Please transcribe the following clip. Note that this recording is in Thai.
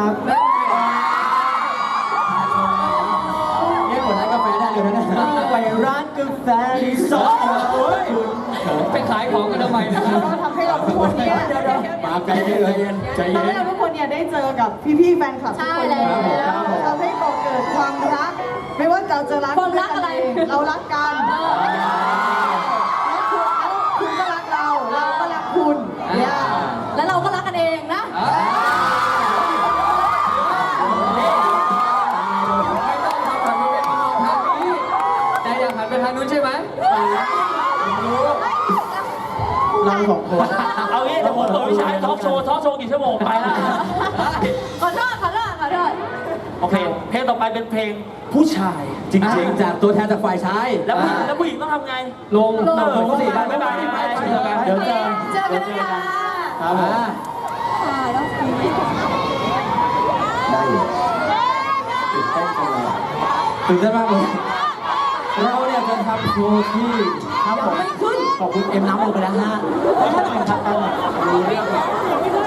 ครับเรียกหมดร้านกาแฟได้เลยนะไปร้านกาแฟที่สองไปขายของกันทำไมนะครับก็ทำให้เราทุกคนเนี่ยมาไกลเลยใจเย็ทำให้นเราทุกคนเนี่ยได้เจอกับพี่ๆแฟนคลับทุกคนใช่แล้วทำให้ก่อเกิดความรัก ไม่ว่าเราจะรักความรักอะไรเรารักกันคุณก็รักเรา เราก็รักคุณเนี่ยแล้วเราก็รักกันเองนะไม่ต้องทำแบบนี้เป็นมองทางนี้แต่อยากหันไปทางนู้นใช่ไหมเราสองคนเอางี้เดี๋ยวผมเปิดวิชาทอล์กโชว์กี่ชั่วโมงไปละขอโทษโอเค เพลงต่อไปเป็นเพลงผู้ชายจริงๆจากตัวแทนจากฝ่ายชายแล้วผู้หญิงต้องทำไงลงลงสิบ๊ายบายเดี๋ยวเจอเจอกันนะคะครับผมค่ะแล้วคุณไม่ได้อยู่ตื่นเต้นจังเลยตื่นเต้นมากเลยเราเนี่ยจะทำโชว์ที่ครับผมขอบคุณเอ็มน้ำลงไปแล้วฮะไม่ใช่หน่อยครับกัน